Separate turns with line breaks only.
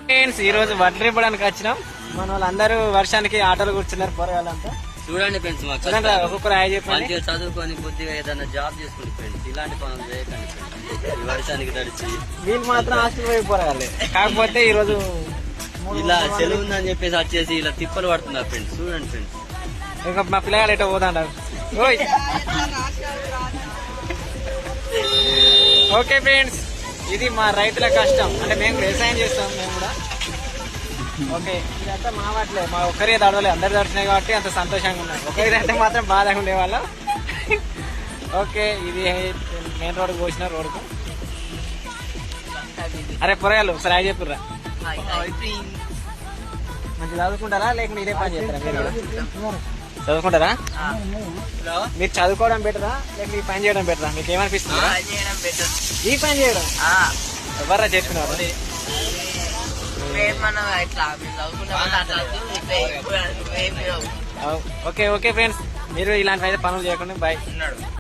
Friends ఈ రోజు వడ్లు ఇవ్వడానికి వచ్చినాం. మన వాళ్ళందరూ వర్షానికి ఆటోలు కూర్చున్నారు పోరగాళ్ళంతా.
చూడండి ఫ్రెండ్స్, మాకు
చూడండి ఒక్కొక్కరు హాయ్ చెప్పండి.
మంచిగా చదువుకొని కొద్దిగా ఏదైనా జాబ్ చేసుకుంటే ఫ్రెండ్స్, ఇలాంటి పనులు చేయకండి ఫ్రెండ్స్. ఈ వర్షానికి తడిచి
వీళ్ళు మాత్రం హాస్టల్ పోయి పోరగాలి. కాకపోతే ఈ రోజు
ఇలా సెలవు ఉందని చెప్పేసి వచ్చేసి ఇలా తిప్పలు పడుతున్నారు ఫ్రెండ్స్. చూడండి ఫ్రెండ్స్,
ఇంకా మా పిల్లగాడు ఎటో పోతాంటారు. ఓకే ఫ్రెండ్స్, ఇది మా రైతుల కష్టం. అంటే మేము వ్యవసాయం చేస్తాం మేము కూడా. ఓకే, ఇదంతా మా వాటిలే, మా ఒక్కరే దడవలే, అందరు దడిచినాయి కాబట్టి అంత సంతోషంగా ఉన్నాం. ఒకరిదంటే మాత్రం బాధగా ఉండేవాళ్ళం. ఓకే, ఇది మెయిన్ రోడ్ పోసిన రోడ్కు. అరే పొరగాలు ఒకసారి హాయ్ చెప్పుర్రా. మంచి చదువుకుంటారా లేకుంటే ఇదే పని చేస్తారా? మీరు కూడా చదువుకుంటారా? మీరు చదువుకోవడం బెటరా లేక ఈ పని చేయడం బెటరా? మీకు ఏమనిపిస్తుంది? ఈ పని చేయడం ఎవర్రా చేసుకున్నారు? ఓకే ఓకే ఫ్రెండ్స్, మీరు ఇలాంటి అయితే పనులు చేయకుండా బాయ్.